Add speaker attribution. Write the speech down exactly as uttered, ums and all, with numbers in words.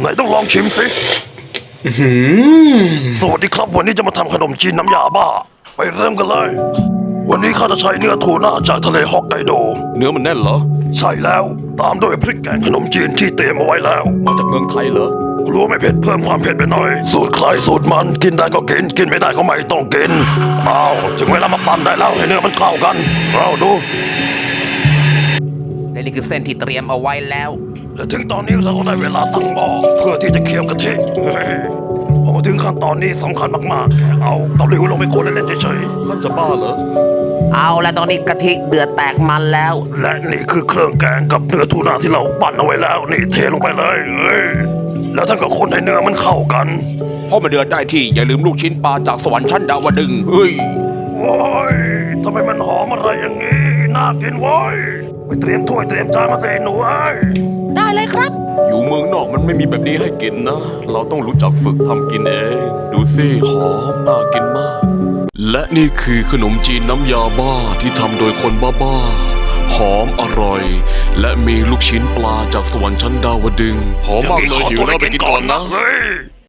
Speaker 1: นต้องลองชิมสิสวัสดีครับวันนี้จะมาทำขนมจีนน้ำยาบ้าไปเริ่มกันเลย วันนี้ข้าจะใช้เนื้อทูน่าจากทะเลฮอกไกโด
Speaker 2: เนื้อมันแน่นเหรอ
Speaker 1: ใช่แล้วตามด้วยพริกแกงขนมจีนที่เตรียมเอาไว้แล้ว
Speaker 2: มาจากเมืองไทยเหรอ
Speaker 1: รู้ไม่เผ็ดเพิ่มความเผ็ดไปหน่อยสูตรใครสูตรมันกินได้ก็กินกินไม่ได้ก็ไม่ต้องกินเอาถึงเวลามาปั่นได้แล้วให้เนื้อมันเข้ากันเอาดู
Speaker 3: และนี่คือเส้นที่เตรียมเอาไว้แล้ว
Speaker 1: และถึงตอนนี้เราก็ได้เวลาตั้งหม้อเพื่อที่จะเคี่ยวกะทิเฮ้ยพอมาถึงขั้นตอนนี้สำคัญมากๆเอาเตาหลิวลงไปคนเล่นๆเฉย
Speaker 2: ๆท่านจะบ้าเหรอ
Speaker 3: เอาแล้วตอนนี้กะทิเดือดแตกมันแล้ว
Speaker 1: และนี่คือเครื่องแกงกับเนื้อทูน่าที่เราปั่นเอาไว้แล้วนี่เทลงไปเลยเฮ้ยแล้วท่านก็คนให้เนื้อมันเข้ากัน
Speaker 2: พอมาเดือดได้ที่อย่าลืมลูกชิ้นปลาจากสวรรค์ชั้นดาวดึงเฮ้ย
Speaker 1: โอ้ยทำไมมันหอมอะไรอย่างงี้น่ากินเว้ยไปเตรียมถ้วยเตรียมจานมาเสหนูเอ้ย
Speaker 3: ได้เลยครับ
Speaker 2: อยู่เมืองนอกมันไม่มีแบบนี้ให้กินนะเราต้องรู้จักฝึกทำกินเองดูสิหอมน่ากินมากและนี่คือขนมจีนน้ำยาบ้าที่ทำโดยคนบ้าๆหอมอร่อยและมีลูกชิ้นปลาจากสวรรค์ชั้นดาวดึงหอมมากเลยหิวแล้วไปกินก่อนนะ